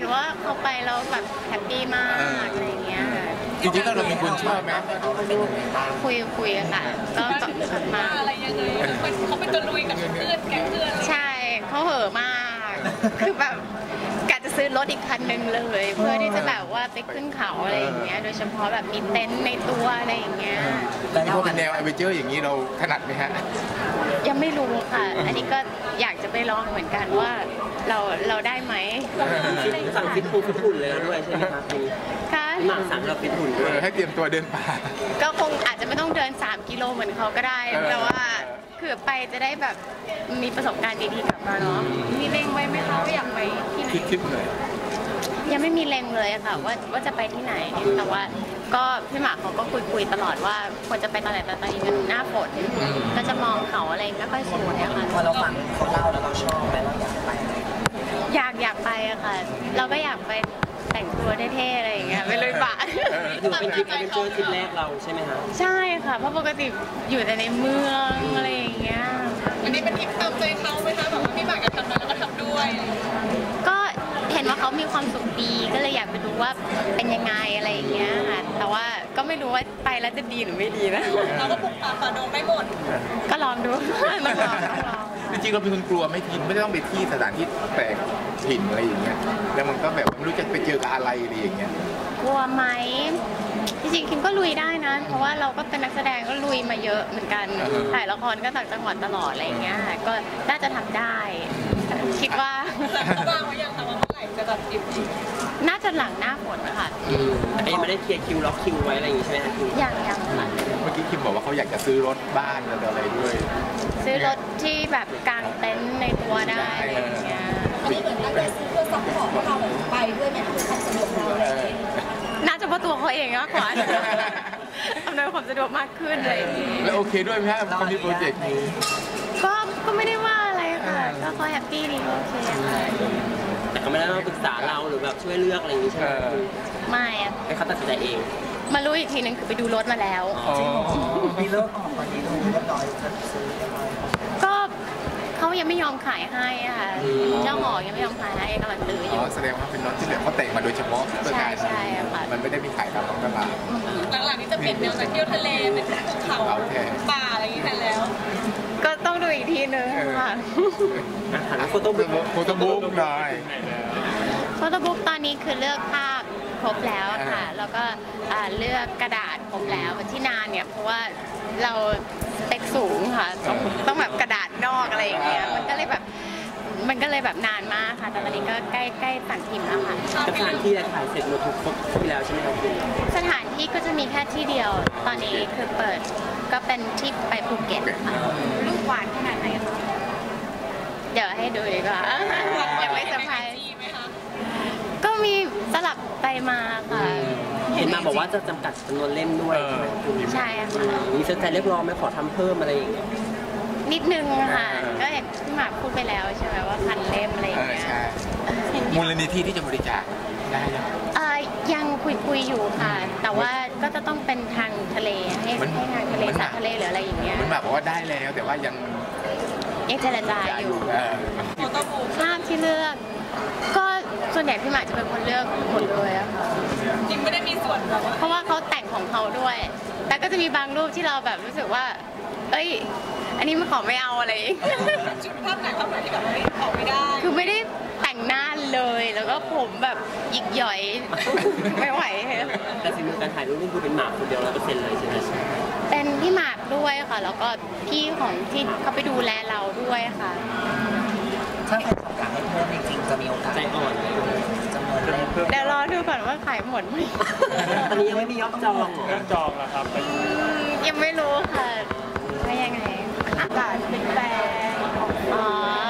ว่าเขาไปแล้วแบบแฮปปี้มากอะไรเงี้ยจริงๆแล้วเราเป็นคนชอบไหมคุยค่ะก็มาอะไรยังไงเขาเป็นตัวลุยกับเพื่อนแก๊งเพื่อนใช่เขาเห่อะมากคือแบบกะจะซื้อรถอีกคันนึงเลยเพื่อที่จะแบบว่าไปขึ้นเขาอะไรอย่างเงี้ยโดยเฉพาะแบบมีเต็นท์ในตัวอะไรอย่างเงี้ยแต่พอเป็นแนวแอดเวนเจอร์อย่างนี้เราถนัดไหมฮะยังไม่รู้ค่ะอันนี้ก็อยากจะไปลองเหมือนกันว่าเราได้ไหมสั่งฟิตหุ่นเลยด้วยใช่ไหมครับค่ะหมักสั่งเราฟิตหุ่นด้วยให้เตรียมตัวเดินป่าก็คงอาจจะไม่ต้องเดิน3 กิโลเหมือนเขาก็ได้แต่ว่าคือไปจะได้แบบมีประสบการณ์ดีๆกลับมาเนาะมีเล็งไว้ไหมคะว่าอยากไปที่ไหนคิดเลยยังไม่มีเล็งเลยค่ะว่าจะไปที่ไหนแต่ว่าก็พี่หมากเขาก็คุยตลอดว่าควรจะไปตอนไหนแต่ตอนนี้มันหน้าฝนก็จะมองเขาอะไรไม่ค่อยสวยอะค่ะพอเราฟังเขาเล่าแล้วเราชอบไหมเราอยากไปอยากไปอะค่ะเราก็อยากไปแต่งตัวเท่ๆอะไรอย่างเงี้ยไปเลยป่ะถือเป็นทริปแอดเวนเจอร์ทริปแรกเราใช่ไหมคะใช่ค่ะเพราะปกติอยู่แต่ในเมืองอะไรอย่างเงี้ยอันนี้เป็นทริปตามใจเขาไหมคะแบบว่าพี่หมากจะทำมาแล้วก็ทำด้วยก็เห็นว่าเขามีความสุขดีก็เลยอยากไปดูว่าเป็นยังไงอะไรอย่างเงี้ยค่ะแต่ว่าก็ไม่รู้ว่าไปแล้วจะดีหรือไม่ดีนะเราก็ปลุกป่าฝ่าดงไม่หมดก็ลองดูต้องลองจริงๆเราเป็นคนกลัวไม่ทิ้งไม่ต้องไปที่สถานที่แปลกถิ่นอะไรอย่างเงี้ยแล้วมันก็แบบไม่รู้จะไปเจอกับอะไรอย่างเงี้ยกลัวไหมจริงๆคิมก็ลุยได้นะเพราะว่าเราก็เป็นนักแสดงก็ลุยมาเยอะเหมือนกันถ่ายละครก็ต่างจังหวัดตลอดอะไรอย่างเงี้ยก็น่าจะทำได้คิดว่าเขาวางไว้ยังคะว่าเมื่อไหร่จะตัดทริปน่าจะหลังหน้าฝนค่ะไม่ได้เคลียร์คิวล็อกคิวไว้อะไรอย่างงี้ใช่ไหมคะยังค่ะเมื่อกี้คิมบอกว่าเขาอยากจะซื้อรถบ้านอะไรด้วยซื้อรถที่แบบกางเต็นท์ในตัวได้อะไรอย่างเงี้ยอันนี้เหมือนตั้งใจซื้อเพื่อซัพพอร์ตเราไปด้วยไหมคือความสะดวกเราเลยน่าจะเพราะตัวเขาเองมากกว่าอำนวยความสะดวกมากขึ้นเลยแล้วโอเคด้วยไหมครับคอมมิชโปรเจกต์นี้ก็ไม่ได้ว่าอะไรค่ะก็เขาแฮปปี้ดีโอเคแต่ก็ไม่ได้มาปรึกษาเราหรือแบบช่วยเลือกอะไรอย่างนี้ใช่ไหมไม่อะให้เขาตัดสินใจเองมารู้อีกทีนึงคือไปดูรถมาแล้วมีเลิกออกตอนนี้ดูเรียบร้อยก็เขายังไม่ยอมขายให้ค่ะเจ้าหอยังไม่ยอมขายให้กำลังตื้ออยู่แสดงว่าเป็นรถที่แบบเขาแต่งมาโดยเฉพาะเพื่อการมันไม่ได้มีขายตามท้องตลาดหลังๆนี้จะเปลี่ยนแนวจากเที่ยวทะเลเป็นภูเขาป่าอะไรอย่างนี้แทนแล้วก็ต้องดูอีกทีนึงค่ะโฟโต้บุ๊กหน่อยโฟโต้บุ๊กตอนนี้คือเลือกภาพครบแล้วค่ะแล้วก็เลือกกระดาษครบแล้วที่นานเนี่ยเพราะว่าเราสเปคสูงค่ะต้องแบบกระดาษนอกอะไรอย่างเงี้ยมันก็เลยแบบนานมากค่ะแต่ตอนนี้ก็ใกล้สั่งพิมพ์แล้วค่ะสถานที่ถ่ายเสร็จหมดทุกครบที่แล้วใช่ไหมครับสถานที่ก็จะมีแค่ที่เดียวตอนนี้คือเปิดก็เป็นที่ไปภูเก็ตค่ะรูปหวานขนาดไหนคะเดี๋ยวให้ดูดีกว่ายังไม่เซอร์ไพรส์ก็มีสลับไปมาค่ะเห็นมาบอกว่าจะจำกัดจำนวนเล่มด้วยใช่ค่ะมีแฟนๆเรียกร้องไหมขอทำเพิ่มอะไรอย่างเงี้ยนิดนึงค่ะก็เห็นพี่หมากพูดไปแล้วใช่ไหมว่า1,000 เล่มอะไรอย่างเงี้ยมูลนิธิที่จะบริจาคได้ยังคุยอยู่ค่ะแต่ว่าก็จะต้องเป็นทางทะเลให้ทางทะเลสาทะเลหรืออะไรอย่างเงี้ยมันบอกว่าได้แล้วแต่ว่ายังเจรจาอยู่ภาพที่เลือกก็ส่วนใหญ่พี่หมากจะเป็นคนเลือกหมดเลยอะค่ะจริงไม่ได้มีส่วนแบบเพราะว่าเขาแต่งของเขาด้วยแต่ก็จะมีบางรูปที่เราแบบรู้สึกว่าเอ้ยอันนี้มันขอไม่เอาอะไรจุดภาพไหนภาพไหนที่แบบไม่ขอไม่ได้คือไม่ได้แต่งหน้าเลยแล้วก็ผมแบบหยิกหย่อยไม่ไหวแต่สิ่งการถ่ายรูปนี่คือเป็นหมากคนเดียว100%เลยใช่ไหมเป็นพี่หมากด้วยค่ะแล้วก็พี่ของที่เขาไปดูแลเราด้วยค่ะถ้าใครต้องการให้เพิ่มจริงๆจะมีโอกาสใจอ่อนจำนวนเพิ่มเดี๋ยวรอดูก่อนว่าขายหมดไหมอันนี้ยังไม่มียอดจองแล้วครับยังไม่รู้ค่ะว่ายังไงอากาศเป็นแปรอ๋อ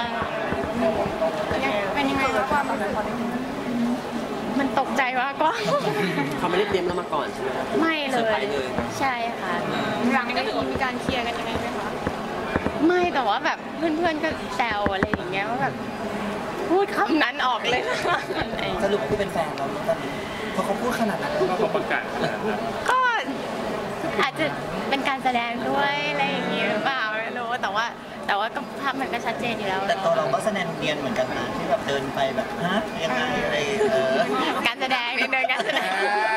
เป็นยังไงความมันตกใจว่ากว่าเขาไม่ได้เตรียมเรามาก่อนใช่ไหมครับไม่เลยใช่ค่ะหลังนี้ก็มีการเคลียร์กันยังไงไหมคะไม่แต่ว่าแบบเพื่อนๆก็แซวอะไรอย่างเงี้ยว่าแบบพูดคำนั้นออกเลยสรุปคือเป็นแฟนเราตอนนี้เพราะเขาพูดขนาดนั้นเขาประกาศก็อาจจะเป็นการแสดงด้วยอะไรอย่างเงี้ยหรือเปล่าไม่รู้แต่ว่าแต่ว่าก็ภาพมันก็ชัดเจนอยู่แล้วแต่ตัวเราก็แสดงเนียนเหมือนกันนะที่แบบเดินไปแบบฮะยังไงอะไรการแสดงนิดนึงการแสดง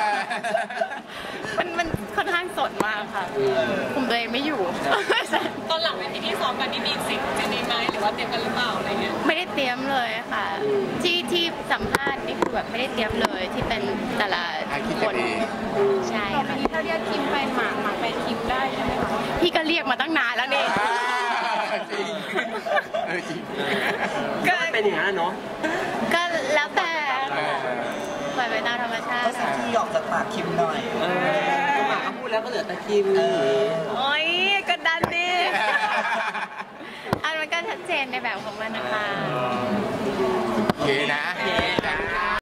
มันค่อนข้างสดมากค่ะคุมตัวเองไม่อยู่ตอนหลังเวทีที่ซ้อมกันนี่มีสิ่งจะมีไหมหรือว่าเตรียมกันหรือเปล่าอะไรเงี้ยไม่ได้เตรียมเลยค่ะที่สัมภาษณ์นี่คือแบบไม่ได้เตรียมเลยที่เป็นแต่ละคนใช่ค่ะถ้าเรียกคิมแฟนหมากแฟนคิมได้ใช่ไหมคะพี่ก็เรียกมาตั้งนานแล้วนี่จริงจริงก็เป็นอย่างนั้นเนาะก็แล้วแต่ปล่อยไปตามธรรมชาก็ติสักที่หยอกจากปากคิมหน่อยก็หมาเขาพูดแล้วก็เหลือแต่คิมโอ้ยกดดันดิอันมันก็ชัดเจนในแบบของมันนะคะโอเคนะ